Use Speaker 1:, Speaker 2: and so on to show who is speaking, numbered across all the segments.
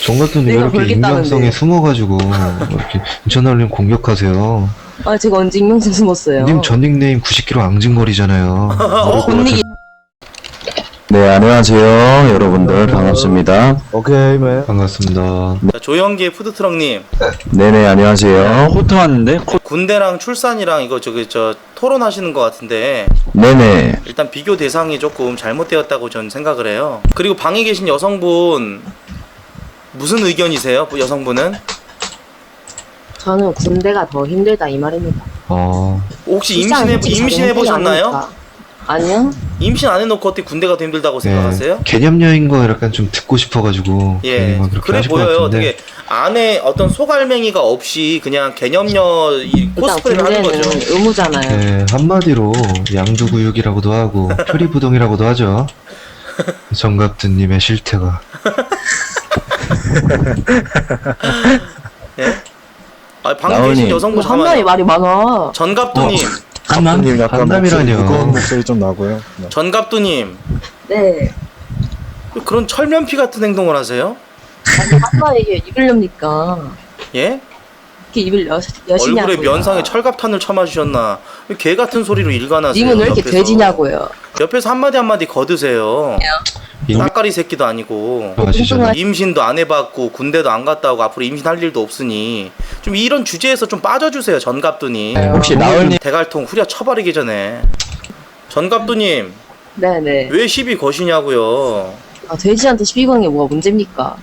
Speaker 1: 정갑두님 왜
Speaker 2: 내가
Speaker 1: 이렇게
Speaker 2: 걸겠다는데.
Speaker 1: 익명성에 숨어가지고 이렇게 인천알림 공격하세요?
Speaker 2: 아, 제가 언제 익명성 숨었어요?
Speaker 1: 님 전 닉네임 90kg 앙증거리잖아요. 모를 것
Speaker 2: 닉이
Speaker 3: 네, 안녕하세요. 여러분들 반갑습니다.
Speaker 4: 오케이, 매.
Speaker 1: 반갑습니다.
Speaker 5: 자, 조영기의 푸드트럭님,
Speaker 3: 네네, 안녕하세요.
Speaker 4: 코트 왔는데?
Speaker 5: 군대랑 출산이랑 이거 저 토론하시는 것 같은데
Speaker 3: 네네.
Speaker 5: 일단 비교 대상이 조금 잘못되었다고 저는 생각을 해요. 그리고 방에 계신 여성분 무슨 의견이세요? 여성분은
Speaker 2: 저는 군대가 더 힘들다 이 말입니다.
Speaker 5: 혹시
Speaker 2: 일상 솔직히 자기
Speaker 5: 임신해
Speaker 2: 행동이
Speaker 5: 보셨나요?
Speaker 2: 아니니까. 아니요.
Speaker 5: 임신 안 해놓고 어떻게 군대가 더 힘들다고 생각하세요?
Speaker 1: 개념녀인 거 약간 좀 듣고 싶어가지고 괜히
Speaker 5: 예,
Speaker 1: 막 그렇게
Speaker 5: 그래
Speaker 1: 하실 것
Speaker 5: 보여요.
Speaker 1: 같은데.
Speaker 5: 되게 안에 어떤 소갈맹이가 없이 그냥 개념녀 이
Speaker 2: 일단
Speaker 5: 코스프레를 하는
Speaker 2: 군대는
Speaker 5: 거죠.
Speaker 2: 의무잖아요.
Speaker 1: 네, 한마디로 양두구육이라고도 하고 표리부동이라고도 하죠. 정갑두님의 실태가.
Speaker 5: 예? 아, 방에
Speaker 3: 나은이.
Speaker 5: 계신 여성분
Speaker 2: 한 마리
Speaker 5: 잠깐만요.
Speaker 2: 말이 많아.
Speaker 5: 전갑두님,
Speaker 4: 감독님 약간
Speaker 1: 간담이라뇨.
Speaker 4: 무거운 목소리 좀 나고요. 네.
Speaker 5: 전갑두님,
Speaker 2: 네.
Speaker 5: 그런 철면피 같은 행동을 하세요?
Speaker 2: 아니, 한 마리 입을렵니까?
Speaker 5: 예?
Speaker 2: 이렇게 입을 여시냐고요.
Speaker 5: 얼굴에 면상에 철갑탄을 쳐맞으셨나? 개 같은 소리로 일관하세요.
Speaker 2: 님은 왜 이렇게
Speaker 5: 옆에서.
Speaker 2: 돼지냐고요.
Speaker 5: 옆에서 한마디 거드세요.
Speaker 1: 임-
Speaker 5: 따까리 새끼도 아니고
Speaker 1: 하시잖아요.
Speaker 5: 임신도 안 해봤고 군대도 안 갔다 오고 앞으로 임신할 일도 없으니 좀 이런 주제에서 좀 빠져주세요. 전갑두님.
Speaker 3: 혹시 나을님,
Speaker 5: 대갈통 후려 쳐버리기 전에. 전갑두님
Speaker 2: 네네.
Speaker 5: 왜 시비 거시냐고요.
Speaker 2: 아, 돼지한테 시비 거는 게 뭐가 문제입니까?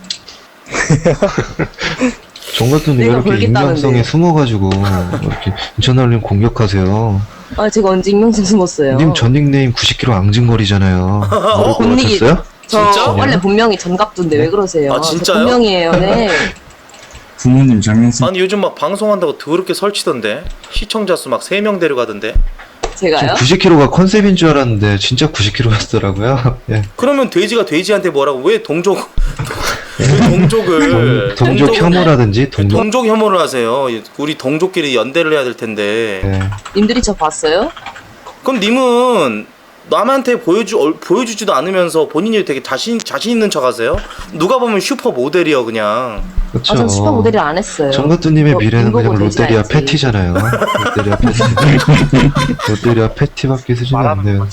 Speaker 1: 정갑두님 왜
Speaker 2: 내가
Speaker 1: 이렇게
Speaker 2: 걸겠다는데.
Speaker 1: 익명성에 숨어가지고 이렇게 인천알림 공격하세요?
Speaker 2: 아, 제가 언제 익명성 숨었어요?
Speaker 1: 님 전 닉네임 90kg 앙증거리잖아요. 모를 것
Speaker 2: 본닉이-
Speaker 1: 같았어요?
Speaker 2: 저
Speaker 5: 진짜?
Speaker 2: 원래 본명이 전갑두인데 왜 그러세요?
Speaker 5: 아, 진짜요?
Speaker 2: 저 본명이에요. 네.
Speaker 4: 부모님 장면성.
Speaker 5: 아니 요즘 막 방송한다고 더럽게 설치던데 시청자 수 막 3명 데려가던데.
Speaker 2: 제가요?
Speaker 1: 90kg가 컨셉인 줄 알았는데 진짜 90kg였더라고요. 예.
Speaker 5: 그러면 돼지가 돼지한테 뭐라고 왜 동족 왜 동족을
Speaker 1: 동족 혐오라든지 동족.
Speaker 5: 동족 혐오를 하세요. 우리 동족끼리 연대를 해야 될 텐데.
Speaker 1: 예.
Speaker 2: 님들이 저 봤어요?
Speaker 5: 그럼 님은 남한테 보여주지도 않으면서 본인이 되게 자신 있는 척하세요? 누가 보면 슈퍼 모델이요 그냥.
Speaker 1: 그렇죠.
Speaker 2: 아, 전 슈퍼 모델을 안 했어요.
Speaker 1: 정갑두님의
Speaker 2: 뭐,
Speaker 1: 미래는
Speaker 2: 돈
Speaker 1: 그냥
Speaker 2: 보고 돼지
Speaker 1: 롯데리아
Speaker 2: 알지.
Speaker 1: 패티잖아요. 롯데리아 패티. 롯데리아 패티밖에 쓰지는 않네요.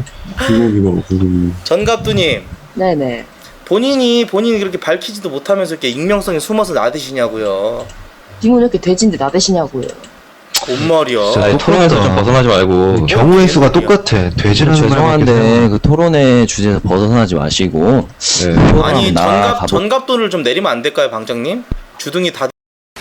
Speaker 5: 전갑두님
Speaker 2: 네네.
Speaker 5: 본인이 그렇게 밝히지도 못하면서 이렇게 익명성에 숨어서 나대시냐고요.
Speaker 2: 님은 왜 이렇게 돼지인데 나대시냐고요.
Speaker 5: 뭔 말이야.
Speaker 1: 진짜
Speaker 3: 아니, 토론에서 좀 벗어나지 말고.
Speaker 1: 경우의 수가 똑같아. 돼지라는
Speaker 3: 죄송한데, 그 토론의 주제에서 벗어나지 마시고.
Speaker 1: 네.
Speaker 5: 아니
Speaker 3: 나
Speaker 5: 전갑돈을 좀 내리면 안 될까요, 방장님? 주둥이 다.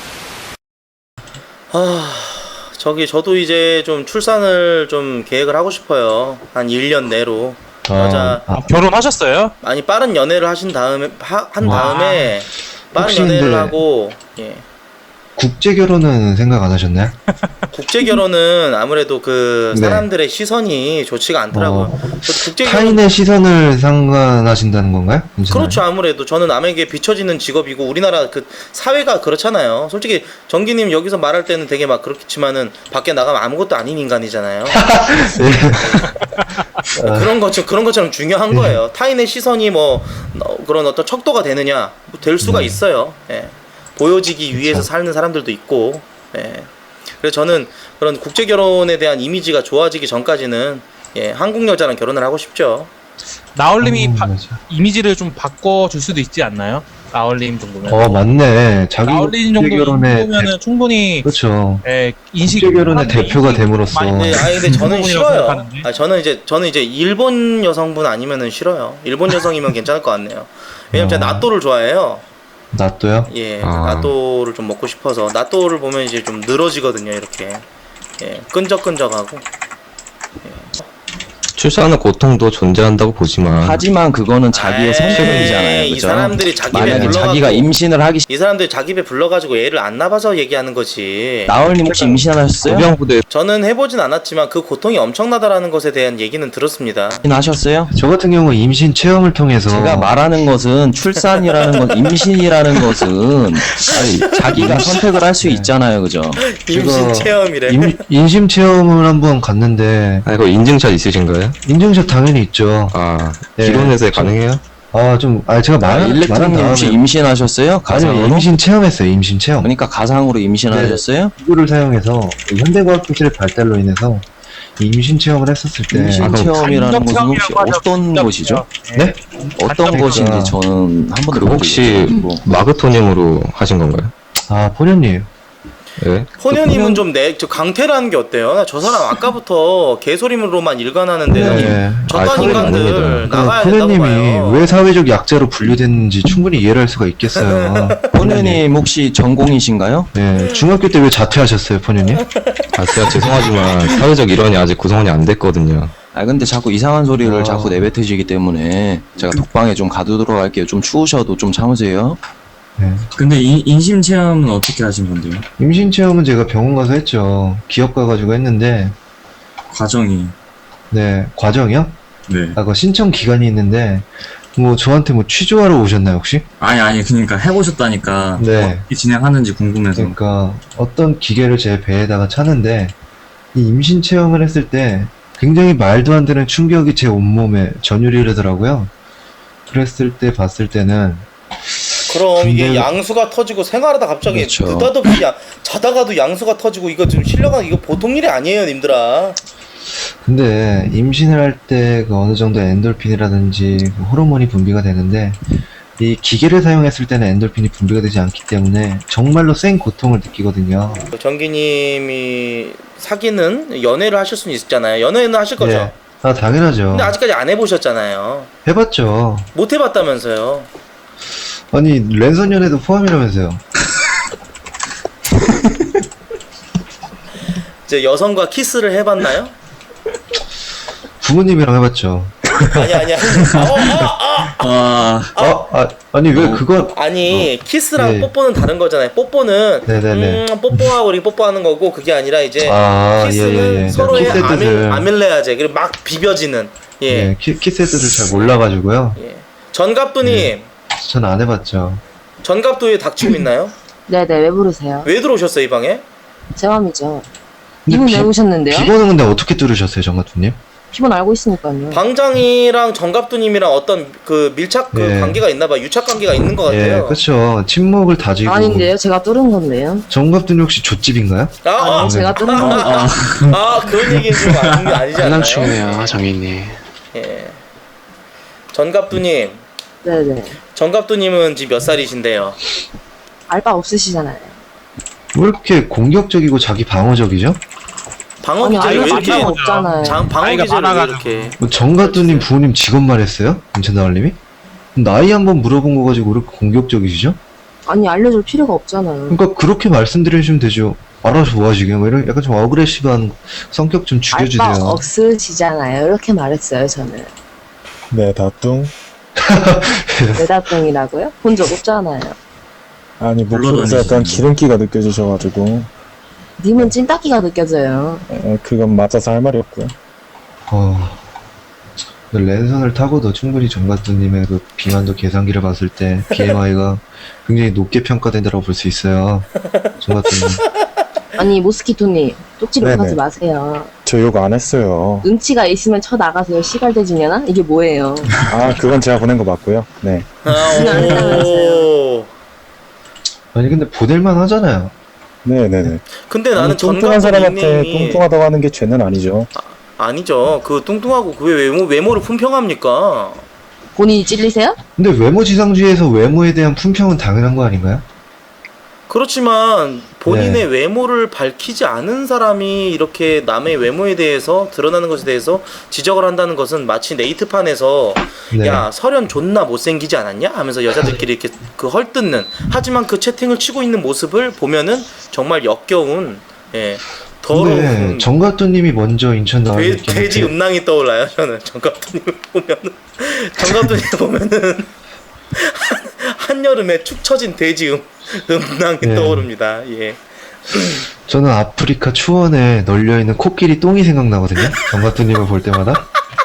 Speaker 5: 저도 이제 좀 출산을 좀 계획을 하고 싶어요. 한 1년 내로. 여자
Speaker 6: 결혼하셨어요?
Speaker 5: 아니 빠른 연애를 하신 다음에 한
Speaker 1: 와.
Speaker 5: 다음에 빠른
Speaker 1: 혹시
Speaker 5: 연애를
Speaker 1: 근데-
Speaker 5: 하고 예.
Speaker 1: 국제 결혼은 생각 안 하셨나요?
Speaker 5: 국제 결혼은 아무래도 그
Speaker 1: 네.
Speaker 5: 사람들의 시선이 좋지가 않더라고요. 저도 국제 결혼
Speaker 1: 타인의 시선을 상관하신다는 건가요?
Speaker 5: 그렇죠. 아무래도 저는 남에게 비춰지는 직업이고 우리나라 그 사회가 그렇잖아요. 솔직히 정기님 여기서 말할 때는 되게 막 그렇지만은 밖에 나가면 아무것도 아닌 인간이잖아요. 그런 것처럼 중요한 거예요. 타인의 시선이 뭐 그런 어떤 척도가 되느냐 뭐될 수가 있어요. 예. 보여지기 위해서 사는 사람들도 있고. 예. 그래서 저는 그런 국제 결혼에 대한 이미지가 좋아지기 전까지는 예, 한국 여자랑 결혼을 하고 싶죠.
Speaker 6: 나얼님이
Speaker 1: 맞아.
Speaker 6: 이미지를 좀 바꿔줄 수도 있지 않나요? 나얼님 정도면.
Speaker 1: 맞네. 자기
Speaker 6: 나얼님 정도
Speaker 1: 국제 결혼의
Speaker 6: 정도면은 충분히
Speaker 1: 그렇죠.
Speaker 6: 인식.
Speaker 1: 국제 결혼의 대표가 됨으로써
Speaker 5: 네, 근데 저는
Speaker 6: 부분이라고
Speaker 5: 싫어요.
Speaker 6: 생각하는데.
Speaker 5: 저는 이제 일본 여성분 아니면은 싫어요. 일본 여성이면 괜찮을 것 같네요. 왜냐면 제가 나또를 좋아해요.
Speaker 1: 나또요?
Speaker 5: 예, 나또를 좀 먹고 싶어서 나또를 보면 이제 좀 늘어지거든요. 이렇게 예, 끈적끈적하고.
Speaker 7: 출산의 고통도 존재한다고 보지만
Speaker 3: 하지만 그거는 자기의
Speaker 5: 에이,
Speaker 3: 선택이잖아요.
Speaker 5: 이
Speaker 3: 그죠?
Speaker 5: 사람들이 자기 배
Speaker 3: 만약에
Speaker 5: 불러가지고
Speaker 3: 자기가 임신을 하기
Speaker 5: 이 사람들이 자기 배 불러가지고 애를 안 낳아서 얘기하는 거지.
Speaker 3: 나얼님 혹시 임신하셨어요?
Speaker 7: 의병부대
Speaker 5: 저는 해보진 않았지만 그 고통이 엄청나다라는 것에 대한 얘기는 들었습니다.
Speaker 3: 임신하셨어요?
Speaker 1: 저 같은 경우 임신 체험을 통해서
Speaker 3: 제가 말하는 것은 출산이라는 것, 임신이라는 것은 아니, 자기가 선택을 할 수 있잖아요, 그죠?
Speaker 5: 임신 체험이래.
Speaker 1: 임신 체험을 한번 갔는데
Speaker 7: 이거 인증샷 있으신가요?
Speaker 1: 인증샷 당연히 있죠.
Speaker 7: 아
Speaker 1: 네.
Speaker 7: 기론에서 가능해요?
Speaker 1: 제가 말한
Speaker 3: 일렉트님 혹시
Speaker 1: 다음에
Speaker 3: 임신하셨어요?
Speaker 1: 아니요,
Speaker 3: 가상으로?
Speaker 1: 임신 체험했어요. 임신 체험.
Speaker 3: 그러니까 가상으로 임신하셨어요?
Speaker 1: 기구를 사용해서 현대과학 기술의 발달로 인해서 임신 체험을 했었을 때
Speaker 3: 임신 체험이라는 것은 혹시
Speaker 6: 간접 체험이라고
Speaker 3: 어떤
Speaker 6: 하죠.
Speaker 3: 것이죠?
Speaker 1: 네?
Speaker 3: 어떤
Speaker 6: 간접
Speaker 3: 것인지
Speaker 1: 체험.
Speaker 3: 저는 한 번도
Speaker 7: 그
Speaker 3: 본 적이
Speaker 7: 혹시
Speaker 3: 없어가지고.
Speaker 7: 마그토님으로 하신 건가요?
Speaker 1: 포녀님
Speaker 7: 예?
Speaker 5: 혼연님은 좀 저 강퇴를 하는 게 어때요? 나 저 사람 아까부터 개소리로만 일관하는데
Speaker 1: 네.
Speaker 5: 저딴
Speaker 7: 사회는
Speaker 5: 인간들
Speaker 7: 아닙니다.
Speaker 5: 나가야 된다고
Speaker 1: 포녀님이
Speaker 5: 봐요.
Speaker 1: 왜 사회적 약자로 분류됐는지 충분히 이해를 할 수가 있겠어요.
Speaker 3: 포녀님 혹시 전공이신가요?
Speaker 1: 네, 중학교 때 왜 자퇴하셨어요, 포녀님?
Speaker 7: 제가 죄송하지만 사회적 일원이 아직 구성원이 안 됐거든요.
Speaker 3: 근데 자꾸 이상한 소리를
Speaker 1: 아.
Speaker 3: 자꾸 내뱉으시기 때문에 제가 독방에 좀 가두도록 할게요. 좀 추우셔도 좀 참으세요.
Speaker 1: 네.
Speaker 4: 근데 인심 체험은 어떻게 하신 건데요?
Speaker 1: 임신 체험은 제가 병원 가서 했죠. 기업 가가지고 했는데,
Speaker 4: 과정이.
Speaker 1: 네, 과정이요?
Speaker 4: 네.
Speaker 1: 그 신청 기간이 있는데, 저한테 취조하러 오셨나요, 혹시?
Speaker 4: 아니, 그러니까 해보셨다니까.
Speaker 1: 네.
Speaker 4: 어떻게 진행하는지 궁금해서.
Speaker 1: 그러니까, 어떤 기계를 제 배에다가 차는데, 이 임신 체험을 했을 때, 굉장히 말도 안 되는 충격이 제 온몸에 전율이 흐르더라고요. 그랬을 때 봤을 때는,
Speaker 5: 그럼 이게
Speaker 1: 근데-
Speaker 5: 양수가 터지고 생활하다 갑자기
Speaker 3: 그렇죠.
Speaker 5: 느닷없이 자다가도 양수가 터지고 이거 지금 실려가 이거 보통 일이 아니에요, 님들아.
Speaker 1: 근데 임신을 할 때 어느 정도 엔돌핀이라든지 호르몬이 분비가 되는데 이 기계를 사용했을 때는 엔돌핀이 분비가 되지 않기 때문에 정말로 센 고통을 느끼거든요.
Speaker 5: 정기님이 사귀는 연애를 하실 수는 있잖아요. 연애는 하실 거죠.
Speaker 1: 예. 당연하죠.
Speaker 5: 근데 아직까지 안 해보셨잖아요.
Speaker 1: 해봤죠.
Speaker 5: 못 해봤다면서요.
Speaker 1: 아니 랜선 연애도 포함이라면서요.
Speaker 5: 이제 여성과 키스를 해봤나요?
Speaker 1: 부모님이랑 해봤죠.
Speaker 5: 아니.
Speaker 1: 아니 왜 그건
Speaker 5: 아니 키스랑
Speaker 1: 네.
Speaker 5: 뽀뽀는 다른 거잖아요. 뽀뽀는
Speaker 1: 네네네.
Speaker 5: 뽀뽀하고 우리 뽀뽀하는 거고 그게 아니라 이제 키스는
Speaker 1: 예.
Speaker 5: 서로의
Speaker 1: 키스의 뜻을
Speaker 5: 아밀레아제 그리고 막 비벼지는 예.
Speaker 1: 키스의 뜻을 잘 몰라가지고요.
Speaker 5: 예. 전갑두님
Speaker 1: 전 안 해봤죠.
Speaker 5: 전갑두에 닥치고 있나요?
Speaker 2: 네네, 왜 부르세요?
Speaker 5: 왜 들어오셨어요 이 방에?
Speaker 2: 제 맘이죠.
Speaker 1: 근데
Speaker 2: 이분 왜 오셨는데요?
Speaker 1: 비번은 근데 어떻게 뚫으셨어요, 정가투님?
Speaker 2: 기본 알고 있으니까요.
Speaker 5: 방장이랑 전갑두님이랑 어떤 그 밀착
Speaker 1: 예.
Speaker 5: 관계가 있나봐. 유착 관계가 있는 것
Speaker 1: 예,
Speaker 5: 같아요.
Speaker 1: 그렇죠. 침묵을 다지고.
Speaker 2: 아닌데요, 제가 뚫은 건데요.
Speaker 1: 정갑두님 혹시 족집인가요?
Speaker 2: 아니, 제가 뚫은 건데.
Speaker 5: 그런 얘기는 좀 아니지 않나요?
Speaker 8: 장난치네요, 장인님.
Speaker 5: 예. 전갑두님,
Speaker 2: 네네.
Speaker 5: 전갑두님은 지금 몇 살이신데요?
Speaker 2: 알바 없으시잖아요.
Speaker 1: 왜 이렇게 공격적이고 자기 방어적이죠?
Speaker 5: 방어
Speaker 2: 아니,
Speaker 5: 기제를 왜
Speaker 2: 알바
Speaker 5: 이렇게
Speaker 2: 자체가 없잖아요.
Speaker 5: 방어
Speaker 6: 나이가
Speaker 5: 기제를 왜
Speaker 6: 많아가지고.
Speaker 5: 이렇게?
Speaker 1: 정가두님 부모님 직업 말했어요? 임천나을님이? 나이 한번 물어본 거 가지고 왜 이렇게 공격적이시죠?
Speaker 2: 아니, 알려줄 필요가 없잖아요.
Speaker 1: 그러니까 그렇게 말씀드려주시면 되죠. 알아서 뭐 하시게. 뭐 이런 약간 좀 어그레시브한 성격 좀 죽여주세요.
Speaker 2: 알바 없으시잖아요. 이렇게 말했어요, 저는.
Speaker 4: 네, 다뚱.
Speaker 2: 내다뚱이라고요? 본 적 없잖아요.
Speaker 4: 아니, 목소리에서 약간 기름기가 느껴지셔가지고.
Speaker 2: 님은 찐따기가 느껴져요.
Speaker 4: 그건 맞아서 할 말이 없고요.
Speaker 1: 랜선을 타고도 충분히 정가두님의 그 비만도 계산기를 봤을 때 BMI가 굉장히 높게 평가된다고 볼 수 있어요. 정가두님.
Speaker 2: 아니, 모스키토님, 쪽지를
Speaker 4: 네네.
Speaker 2: 하지 마세요.
Speaker 4: 저 욕 안 했어요.
Speaker 2: 눈치가 있으면 쳐나가세요. 시갈대지냐나? 이게 뭐예요?
Speaker 4: 그건 제가 보낸 거 맞고요. 네.
Speaker 5: 오.
Speaker 1: 아니 근데 보낼만 하잖아요.
Speaker 4: 네네네.
Speaker 5: 근데 나는
Speaker 4: 뚱뚱한
Speaker 5: 전갑두
Speaker 4: 사람한테
Speaker 5: 닉네임이
Speaker 4: 뚱뚱하다고 하는 게 죄는 아니죠.
Speaker 5: 아니죠. 그 뚱뚱하고 그 외모를 품평합니까?
Speaker 2: 본인이 찔리세요?
Speaker 1: 근데 외모 지상주의에서 외모에 대한 품평은 당연한 거 아닌가요?
Speaker 5: 그렇지만 본인의
Speaker 1: 네.
Speaker 5: 외모를 밝히지 않은 사람이 이렇게 남의 외모에 대해서 드러나는 것에 대해서 지적을 한다는 것은 마치 네이트판에서
Speaker 1: 네.
Speaker 5: 야 설현 존나 못생기지 않았냐 하면서 여자들끼리 이렇게 그 헐뜯는 하지만 그 채팅을 치고 있는 모습을 보면은 정말 역겨운
Speaker 1: 근데
Speaker 5: 더러운
Speaker 1: 정가두님이 먼저 인천 나왔기
Speaker 5: 돼지 음낭이 떠올라요. 저는 정갑두님을 보면은 정갑두님 보면은 한여름에 축 처진 돼지 음낭이
Speaker 1: 네.
Speaker 5: 떠오릅니다. 예.
Speaker 1: 저는 아프리카 추원에 널려있는 코끼리 똥이 생각나거든요. 정가두님을 볼 때마다.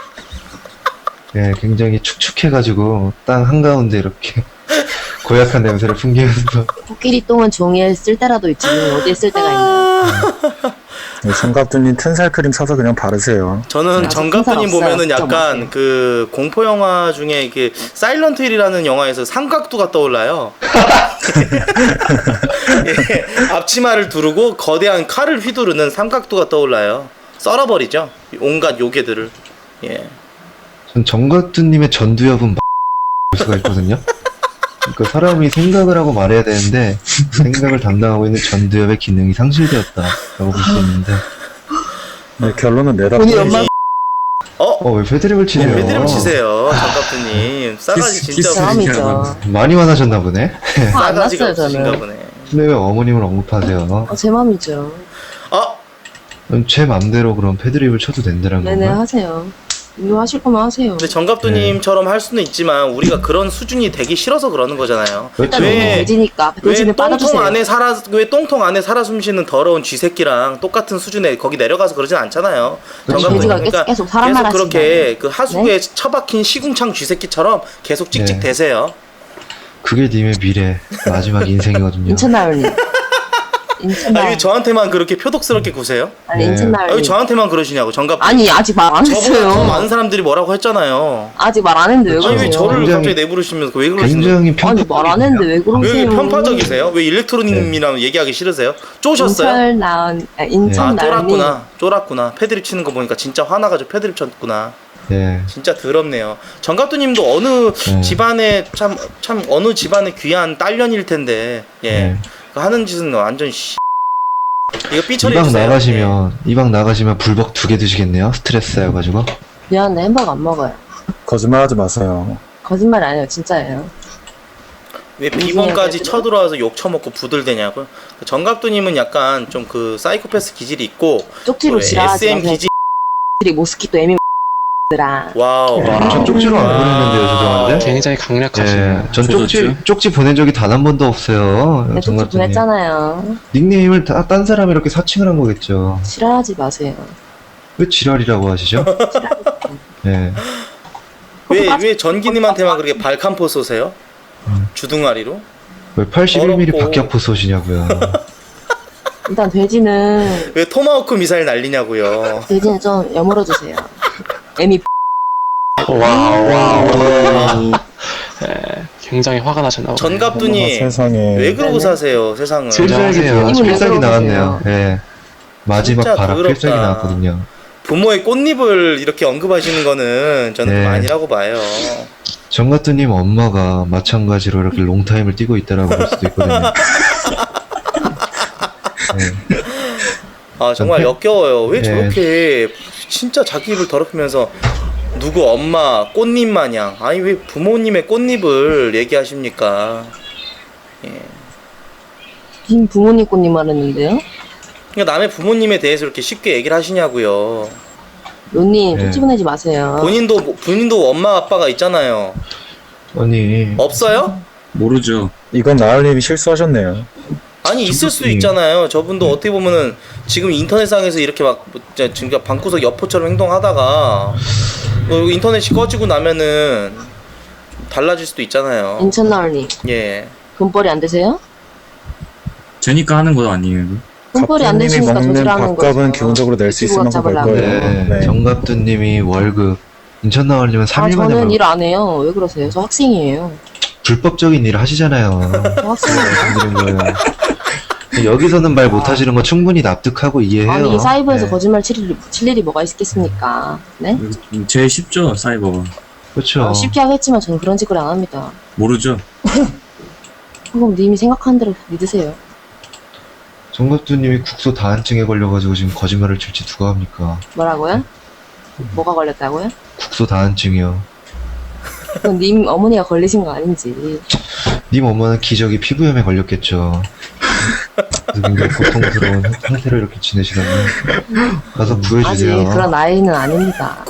Speaker 1: 예, 굉장히 축축해가지고 땅 한가운데 이렇게 고약한 냄새를 풍기면서
Speaker 2: 코끼리 똥은 종이에 쓸 때라도 있지. 어디에 쓸 때가 있나?
Speaker 4: 정갑두님 튼살 크림 사서 그냥 바르세요.
Speaker 5: 저는
Speaker 2: 아직
Speaker 5: 정갑두님
Speaker 2: 큰 사람
Speaker 5: 보면은
Speaker 2: 없어요. 좀
Speaker 5: 약간
Speaker 2: 없어요.
Speaker 5: 그 공포 영화 중에 이게 사일런트 힐이라는 영화에서 삼각두가 떠올라요. 예, 앞치마를 두르고 거대한 칼을 휘두르는 삼각두가 떠올라요. 썰어버리죠. 온갖 요괴들을. 예.
Speaker 1: 전 정가뚜님의 전두엽은 볼 수가 있거든요. 그러니까 사람이 생각을 하고 말해야 되는데 생각을 담당하고 있는 전두엽의 기능이 상실되었다라고 볼 수 있는데
Speaker 4: 네, 결론은 내다
Speaker 2: 본인
Speaker 4: 보니
Speaker 2: 엄마
Speaker 1: 왜 패드립을 치세요?
Speaker 5: 패드립 치세요, 정갑두님. 싸가지 진짜
Speaker 2: 사람이죠.
Speaker 1: 많이 화나셨나 보네.
Speaker 2: 화 안
Speaker 5: 싸가지가
Speaker 2: 났어요
Speaker 5: 없으신가
Speaker 2: 저는.
Speaker 5: 보네.
Speaker 1: 근데 왜 어머님을 언급하세요?
Speaker 2: 제 맘이죠.
Speaker 1: 제 맘대로 그럼 패드립을 쳐도 된다는
Speaker 2: 네네
Speaker 1: 건가요?
Speaker 2: 하세요. 이거 하실 거면 하세요.
Speaker 5: 근데 정갑두님처럼 할 수는 있지만 우리가 그런 수준이 되기 싫어서 그러는 거잖아요.
Speaker 1: 그렇죠.
Speaker 2: 일단 너무 돼지니까 돼지는 빠져주세요.
Speaker 5: 왜 똥통 안에 살아 숨쉬는 더러운 쥐새끼랑 똑같은 수준에 거기 내려가서 그러진 않잖아요.
Speaker 1: 그렇죠.
Speaker 5: 정갑두님.
Speaker 2: 돼지가
Speaker 5: 그러니까
Speaker 2: 계속 사람만
Speaker 5: 계속 그렇게
Speaker 2: 하시잖아요.
Speaker 5: 그 하수구에 처박힌 시궁창 쥐새끼처럼 계속 찍찍
Speaker 1: 네.
Speaker 5: 대세요.
Speaker 1: 그게 님의 미래, 마지막 인생이거든요.
Speaker 2: 인천나을님. 인천나을.
Speaker 5: 왜 저한테만 그렇게 표독스럽게 구세요?
Speaker 2: 아니
Speaker 1: 네.
Speaker 5: 왜
Speaker 2: 인천나을님.
Speaker 5: 저한테만 그러시냐고. 정갑.
Speaker 2: 아니 아직 말 안
Speaker 5: 저보다 더
Speaker 2: 했어요.
Speaker 5: 많은 사람들이 뭐라고 했잖아요.
Speaker 2: 아직 말 안 했는데 왜
Speaker 1: 그렇죠.
Speaker 5: 아니 왜
Speaker 2: 그러세요?
Speaker 5: 저를
Speaker 1: 굉장히-
Speaker 5: 갑자기 내부르시면서 왜 그러시는 거예요?
Speaker 1: 굉장히
Speaker 2: 아니 말 안 했는데 왜
Speaker 5: 왜
Speaker 2: 그러세요?
Speaker 5: 편파적이세요? 왜 일렉트로닉이랑 얘기하기 싫으세요? 쪼셨어요?
Speaker 2: 인천나은
Speaker 5: 아
Speaker 2: 인천나을님.
Speaker 5: 쫄았구나. 패드립 치는 거 보니까 진짜 화나가지고 패드립 쳤구나.
Speaker 1: 예.
Speaker 5: 진짜 더럽네요. 정갑두님도 어느 집안에 참 어느 집안의 귀한 딸년일 텐데 예
Speaker 1: 네.
Speaker 5: 그 하는 짓은 완전 이거 삐처리
Speaker 1: 이방
Speaker 5: 해주세요.
Speaker 1: 나가시면 이방 나가시면 불벅 2개 드시겠네요. 스트레스 쌓여가지고.
Speaker 2: 미안한데 햄버거 안 먹어요.
Speaker 4: 거짓말하지 마세요.
Speaker 2: 거짓말 아니에요 진짜예요.
Speaker 5: 왜 비번까지 쳐들어와서 욕 처먹고 부들대냐고요? 정갑두님은 약간 좀 그 사이코패스 기질이 있고
Speaker 2: 쪽지로
Speaker 5: 또
Speaker 2: 지랄하지
Speaker 5: SM
Speaker 2: 마세요.
Speaker 5: 기질.
Speaker 2: 모스키토 에미들아.
Speaker 5: 와우.
Speaker 1: 전 쪽지로 안 보냈는데요, 죄송한데.
Speaker 8: 굉장히 강력하시네요.
Speaker 1: 예, 전 쪽지 보낸 적이 단 한 번도 없어요.
Speaker 2: 내 쪽지
Speaker 1: 정가뚜님.
Speaker 2: 보냈잖아요.
Speaker 1: 닉네임을 딴 사람이 이렇게 사칭을 한 거겠죠.
Speaker 2: 지랄하지 마세요.
Speaker 1: 왜 지랄이라고 하시죠? 예.
Speaker 5: 왜 전기님한테만 그렇게 발칸포 쏘세요? 주둥아리로?
Speaker 1: 왜 81mm
Speaker 5: 어렵고.
Speaker 1: 박격포 쏘시냐고요.
Speaker 2: 일단 돼지는
Speaker 5: 왜 토마호크 미사일 날리냐고요?
Speaker 2: 좀 여물어 주세요. 에미
Speaker 8: 굉장히 화가 나셨나 보네요.
Speaker 5: 전갑두님
Speaker 4: 세상에.
Speaker 5: 왜 그러고
Speaker 2: 네네.
Speaker 5: 사세요 세상을?
Speaker 1: 필살기네요.
Speaker 2: 이분은
Speaker 1: 필살기
Speaker 2: 왜
Speaker 1: 나왔네요. 예. 마지막
Speaker 5: 진짜
Speaker 1: 바람
Speaker 5: 더럽다.
Speaker 1: 필살기 나왔거든요.
Speaker 5: 부모의 꽃잎을 이렇게 언급하시는 거는 저는
Speaker 1: 네.
Speaker 5: 좀 아니라고 봐요.
Speaker 1: 정가뚜님 엄마가 마찬가지로 이렇게 롱타임을 뛰고 있다라고 볼 수도 있거든요. 네.
Speaker 5: 아 정말
Speaker 1: 네.
Speaker 5: 역겨워요. 왜
Speaker 1: 네.
Speaker 5: 저렇게 진짜 자기 입을 더럽히면서 누구 엄마 꽃잎 마냥 아니 왜 부모님의 꽃잎을 얘기하십니까? 예.
Speaker 2: 빈 부모님 꽃님 말했는데요.
Speaker 5: 그러니까 남의 부모님에 대해서 이렇게 쉽게 얘기를 하시냐고요.
Speaker 2: 론님
Speaker 1: 네.
Speaker 2: 쪽지 보내지 마세요.
Speaker 5: 본인도 엄마 아빠가 있잖아요.
Speaker 1: 아니
Speaker 5: 없어요?
Speaker 9: 모르죠.
Speaker 4: 이건 나을님이 실수하셨네요.
Speaker 5: 아니 있을 수
Speaker 1: 정답이-
Speaker 5: 있잖아요. 저분도 어떻게 보면은 지금 인터넷상에서 이렇게 막 지금 방구석 여포처럼 행동하다가 인터넷이 꺼지고 나면은 좀 달라질 수도 있잖아요.
Speaker 2: 인천나을님
Speaker 5: 예.
Speaker 2: 돈벌이 안 되세요?
Speaker 9: 제니까 하는 거 아니에요?
Speaker 2: 돈벌이 안
Speaker 4: 갑부님이
Speaker 2: 되시니까
Speaker 4: 먹는
Speaker 2: 저지라는
Speaker 4: 밥값은
Speaker 2: 거죠.
Speaker 4: 기본적으로 낼 수 있을 만큼 벌
Speaker 2: 잡으려고.
Speaker 4: 거예요.
Speaker 1: 네.
Speaker 4: 네.
Speaker 1: 정갑뚜님이 월급 인천나올리면 3일 만에
Speaker 2: 저는
Speaker 1: 벌
Speaker 2: 일 안 해요. 왜 그러세요? 저 학생이에요.
Speaker 1: 불법적인 일을 하시잖아요.
Speaker 2: 저 학생이에요.
Speaker 1: 말씀드린 거예요. 여기서는 말 못하시는 거 충분히 납득하고 이해해요.
Speaker 2: 아니 사이버에서
Speaker 1: 네.
Speaker 2: 거짓말 칠 일이 뭐가 있겠습니까? 네?
Speaker 9: 제일 쉽죠, 사이버가.
Speaker 1: 그렇죠.
Speaker 2: 쉽게 하겠지만 저는 그런 짓거리 안 합니다.
Speaker 9: 모르죠.
Speaker 2: 그럼 님이 생각하는 대로 믿으세요.
Speaker 1: 정갑두님이 국소 다한증에 걸려가지고 지금 거짓말을 칠지 누가 합니까?
Speaker 2: 뭐라고요? 뭐가 걸렸다고요?
Speaker 1: 국소 다한증이요.
Speaker 2: 그건 님 어머니가 걸리신 거 아닌지.
Speaker 1: 님 엄마는 기저귀 피부염에 걸렸겠죠. 그래서 굉장히 고통스러운 상태로 이렇게 지내시다니 가서
Speaker 2: 아직
Speaker 1: 구해주세요.
Speaker 2: 그런 나이는 아닙니다.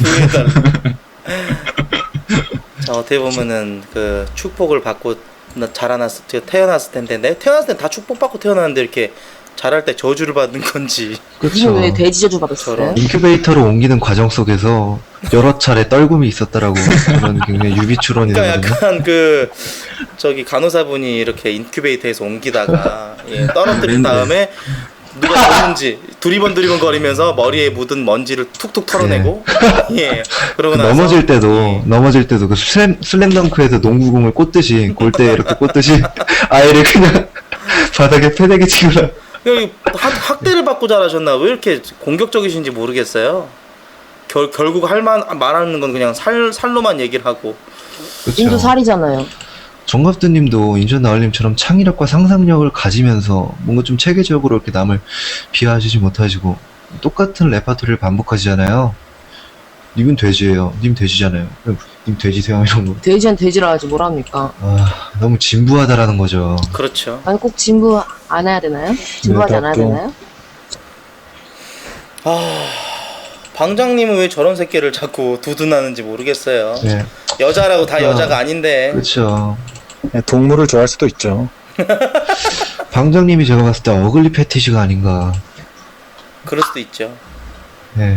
Speaker 5: 자 어떻게 보면은 그 축복을 받고 태어났을 텐데 내가 태어났을 땐 다 축복받고 태어났는데 이렇게 자랄 때 저주를 받는 건지.
Speaker 1: 그렇죠.
Speaker 2: 님은 왜 돼지 저주 받았어요?
Speaker 5: 저런.
Speaker 1: 인큐베이터로 옮기는 과정 속에서 여러 차례 떨굼이 있었다라고 그런 굉장히 유비추론이
Speaker 5: 그러니까
Speaker 1: 되거든요.
Speaker 5: 약간 그 저기 간호사분이 이렇게 인큐베이터에서 옮기다가 예, 떨어뜨린
Speaker 9: 랜드.
Speaker 5: 다음에 누가 졌는지 두리번 거리면서 머리에 묻은 먼지를 툭툭 털어내고 예 그러고 나서
Speaker 1: 넘어질 때도 그 슬램덩크에서 농구공을 꽂듯이 골대에 이렇게 꽂듯이 아이를 그냥 바닥에 패대기 치고
Speaker 5: 여기 학대를 받고 자라셨나 왜 이렇게 공격적이신지 모르겠어요. 결국 말하는 건 그냥 살로만 얘기를 하고.
Speaker 2: 인도 살이잖아요.
Speaker 1: 정갑두님도 인천 나얼님처럼 창의력과 상상력을 가지면서 뭔가 좀 체계적으로 이렇게 남을 비하하시지 못하시고 똑같은 레파토리를 반복하시잖아요. 님은 돼지예요. 님 돼지잖아요. 님 돼지세요 이런 거.
Speaker 2: 돼지는 돼지라 하지 뭘 합니까?
Speaker 1: 너무 진부하다라는 거죠.
Speaker 5: 그렇죠.
Speaker 2: 아니 꼭 진부 안 해야 되나요? 진부하지 않아야 되나요?
Speaker 5: 방장님은 왜 저런 새끼를 자꾸 두둔하는지 모르겠어요.
Speaker 1: 네.
Speaker 5: 여자라고 다 여자가 아닌데.
Speaker 1: 그렇죠.
Speaker 4: 네, 동물을 좋아할 수도 있죠.
Speaker 1: 방장님이 제가 봤을 때 어글리 패티시가 아닌가.
Speaker 5: 그럴 수도 있죠.
Speaker 1: 네.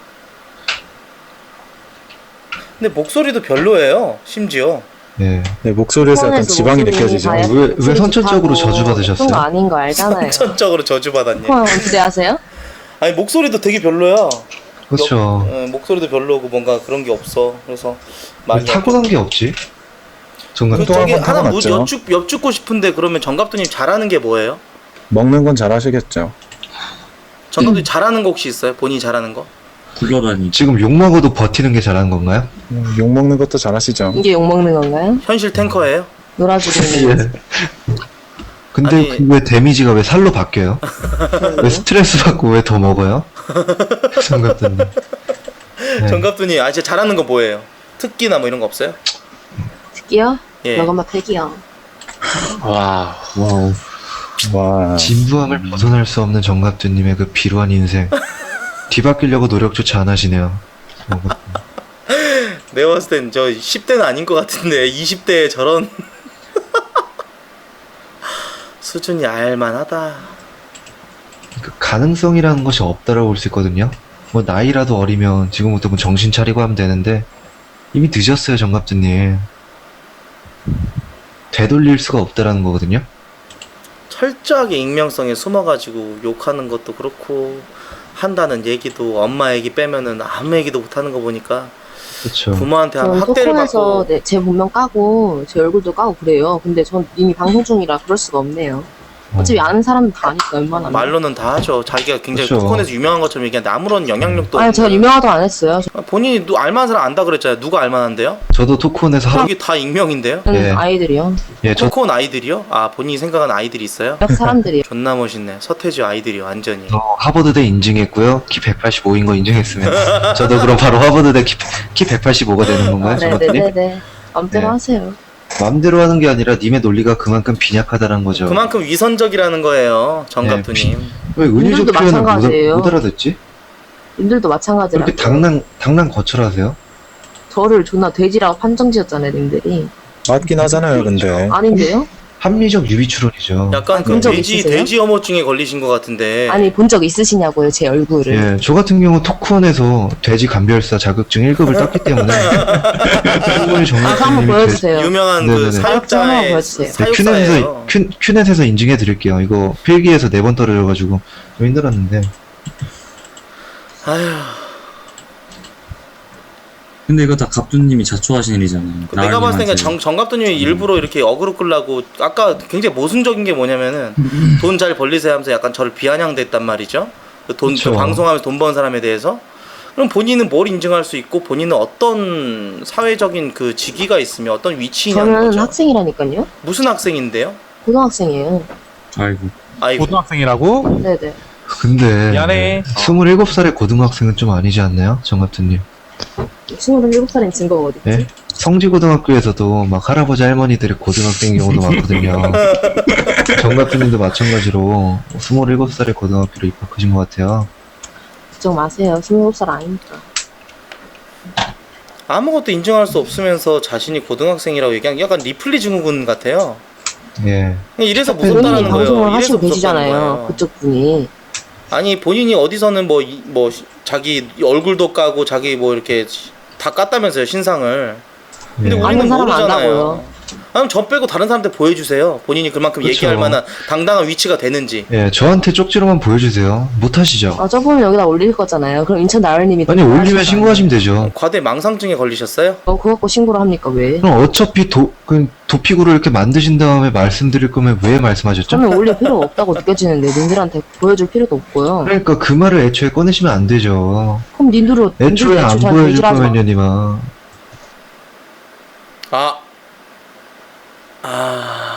Speaker 5: 근데 목소리도 별로예요. 심지어.
Speaker 1: 네.
Speaker 4: 네, 목소리에서 약간
Speaker 2: 폰에서
Speaker 4: 지방이
Speaker 2: 목소리
Speaker 4: 느껴지죠.
Speaker 2: 봐야
Speaker 1: 왜
Speaker 2: 목소리
Speaker 1: 선천적으로
Speaker 2: 좋다고
Speaker 1: 저주받으셨어요?
Speaker 2: 그런 거 아닌 거 알잖아요.
Speaker 5: 선천적으로 저주받았니?
Speaker 2: 폰 기대하세요?
Speaker 5: 아니 목소리도 되게 별로야.
Speaker 1: 그렇죠.
Speaker 5: 목소리도 별로고 뭔가 그런 게 없어. 그래서
Speaker 1: 왜
Speaker 5: 많이
Speaker 1: 타고난 게 없지? 정말
Speaker 5: 저기
Speaker 4: 한번
Speaker 5: 하나
Speaker 4: 타고났죠.
Speaker 5: 여쭙고 싶은데 그러면 정갑두님 잘하는 게 뭐예요?
Speaker 4: 먹는 건 잘하시겠죠.
Speaker 5: 정갑두님 잘하는 거 혹시 있어요? 본인이 잘하는 거?
Speaker 9: 굴러다니.
Speaker 1: 지금 욕먹어도 버티는 게 잘하는 건가요?
Speaker 4: 욕 먹는 것도 잘하시죠.
Speaker 2: 이게 욕먹는 건가요?
Speaker 5: 현실 탱커예요?
Speaker 2: 놀아주고 있는 거.
Speaker 1: 근데
Speaker 5: 아니-
Speaker 1: 그 왜 데미지가 왜 살로 바뀌어요? 왜 스트레스 받고 왜 더 먹어요? 정갑두님. 네.
Speaker 5: 정갑두님 진짜 잘하는 거 뭐예요? 특기나 뭐 이런 거 없어요?
Speaker 2: 특기요?
Speaker 5: 예.
Speaker 2: 이것만 팩이요.
Speaker 8: 와.
Speaker 4: 와우. 와.
Speaker 1: 진부함을 벗어날 수 없는 정갑두님의 그 비루한 인생. 뒤바뀌려고 노력조차 안 하시네요.
Speaker 5: 내가 봤을 땐 저 10대는 아닌 것 같은데 20대에 저런 수준이 알만하다.
Speaker 1: 그 가능성이라는 것이 없다라고 볼 수 있거든요. 뭐 나이라도 어리면 지금부터 뭐 정신 차리고 하면 되는데 이미 늦었어요, 정갑두님. 되돌릴 수가 없다라는 거거든요.
Speaker 5: 철저하게 익명성에 숨어가지고 욕하는 것도 그렇고 한다는 얘기도 엄마 얘기 빼면은 아무 얘기도 못하는 거 보니까
Speaker 1: 그렇죠.
Speaker 5: 부모한테
Speaker 2: 저는
Speaker 5: 학대를
Speaker 2: 토크에서
Speaker 5: 받고
Speaker 2: 제 본명 까고 제 얼굴도 까고 그래요. 근데 전 이미 방송 중이라 그럴 수가 없네요. 어차피 아는 사람은 다 아니까 얼마나.
Speaker 5: 말로는 다 하죠. 자기가 굉장히
Speaker 1: 그렇죠.
Speaker 5: 토큰에서 유명한 것처럼 얘기하는데 아무런 영향력도
Speaker 2: 아니 제가
Speaker 5: 없는.
Speaker 2: 유명하다고 안 했어요.
Speaker 5: 본인이 알만한 사람 안다 그랬잖아요. 누가 알만한데요?
Speaker 1: 저도 토크온에서 하루
Speaker 5: 여기 다 익명인데요?
Speaker 2: 저는
Speaker 1: 예.
Speaker 2: 아이들이요.
Speaker 5: 토크온 아이들이요? 아 본인이 생각하는 아이들이 있어요?
Speaker 2: 역 사람들이요.
Speaker 5: 존나 멋있네. 서태지 아이들이 완전히.
Speaker 1: 하버드대 인증했고요. 키 185인 거 인증했으면 저도 그럼 바로 하버드대 키 185가 되는 건가요, 정갑두님?
Speaker 2: 네네네네. 마음대로
Speaker 1: 네.
Speaker 2: 하세요.
Speaker 1: 마음대로 하는 게 아니라 님의 논리가 그만큼 빈약하다는 거죠.
Speaker 5: 그만큼 위선적이라는 거예요, 정갑두님.
Speaker 1: 왜 은유적
Speaker 2: 님들도
Speaker 1: 표현을
Speaker 2: 마찬가지예요.
Speaker 1: 못 알아듣지?
Speaker 2: 님들도 마찬가지라고.
Speaker 1: 그렇게 당난 거철하세요?
Speaker 2: 저를 존나 돼지라고 판정 지었잖아요, 님들이.
Speaker 4: 맞긴 하잖아요, 근데.
Speaker 2: 아닌데요?
Speaker 1: 합리적 유비 추론이죠.
Speaker 5: 약간 그
Speaker 2: 본적
Speaker 5: 돼지
Speaker 2: 있으세요?
Speaker 5: 혐오증에 걸리신 것 같은데.
Speaker 2: 아니 본 적 있으시냐고요, 제 얼굴을.
Speaker 1: 예, 저 같은 경우 토크원에서 돼지 감별사 자격증 1급을 땄기 때문에 충분히
Speaker 2: 아, 한번
Speaker 1: 정답님이
Speaker 2: 보여주세요.
Speaker 5: 유명한 그
Speaker 1: 네네네.
Speaker 2: 한번
Speaker 5: 사역자의
Speaker 2: 보여주세요.
Speaker 5: 사육사예요.
Speaker 1: 큐넷에서 인증해 드릴게요. 이거 필기에서 4번 떨어져가지고 좀 힘들었는데.
Speaker 5: 아휴,
Speaker 9: 근데 이거 다 갑두님이 자초하신 일이잖아요.
Speaker 5: 내가 봤을 때
Speaker 9: 나을님한테.
Speaker 5: 정갑두님이 일부러 이렇게 어그로 끌라고 아까 굉장히 모순적인 게 뭐냐면은 돈 잘 벌리세요 하면서 약간 저를 비아냥댔단 말이죠.
Speaker 1: 그쵸.
Speaker 5: 방송하면서 돈 버는 사람에 대해서. 그럼 본인은 뭘 인증할 수 있고 본인은 어떤 사회적인 그 직위가 있으며 어떤 위치냐는
Speaker 2: 저는
Speaker 5: 거죠.
Speaker 2: 학생이라니까요.
Speaker 5: 무슨 학생인데요?
Speaker 2: 고등학생이에요.
Speaker 9: 아이고.
Speaker 5: 아이고.
Speaker 6: 고등학생이라고?
Speaker 2: 네네.
Speaker 1: 근데
Speaker 6: 미안해.
Speaker 1: 27살의 고등학생은 좀 아니지 않나요? 정갑두님.
Speaker 2: 27살인 증거가 어딨지?
Speaker 1: 예? 성지고등학교에서도 막 할아버지 할머니들이 고등학생인 경우도 많거든요. 정갑두님도 마찬가지로 27살의 고등학교로 입학하신 것 같아요.
Speaker 2: 걱정 마세요. 27살 아니니까.
Speaker 5: 아무것도 인정할 수 없으면서 자신이 고등학생이라고 얘기한 약간 리플리 증후군 같아요.
Speaker 1: 예.
Speaker 5: 그냥 이래서
Speaker 2: 대표님이
Speaker 5: 무섭다는 거예요.
Speaker 2: 방송을
Speaker 5: 이래서
Speaker 2: 하시고
Speaker 5: 무섭다는
Speaker 2: 계시잖아요.
Speaker 5: 거예요.
Speaker 2: 그쪽 분이.
Speaker 5: 아니 본인이 어디서는 뭐 자기 얼굴도 까고 자기 뭐 이렇게 다 깠다면서요 신상을. 근데
Speaker 1: 예.
Speaker 5: 우리는
Speaker 2: 아는 사람은
Speaker 5: 모르잖아요.
Speaker 2: 안다고요.
Speaker 5: 그럼 저 빼고 다른 사람한테 보여주세요. 본인이 그만큼
Speaker 1: 그쵸.
Speaker 5: 얘기할 만한 당당한 위치가 되는지.
Speaker 1: 예, 저한테 쪽지로만 보여주세요. 못하시죠?
Speaker 2: 아, 저분은 여기다 올릴 거잖아요. 그럼 인천 나을님이
Speaker 1: 아니, 올리면 신고하시면 되죠.
Speaker 5: 과대 망상증에 걸리셨어요?
Speaker 2: 그거 갖고 신고를 합니까, 왜?
Speaker 1: 그럼 어차피 도피구를 이렇게 만드신 다음에 말씀드릴 거면 왜 말씀하셨죠?
Speaker 2: 저는 올릴 필요가 없다고 느껴지는데, 님들한테 보여줄 필요도 없고요.
Speaker 1: 그러니까 그 말을 애초에 꺼내시면 안 되죠.
Speaker 2: 그럼 님들은
Speaker 1: 애초에 안 보여줄 거면요, 니마.
Speaker 5: 아.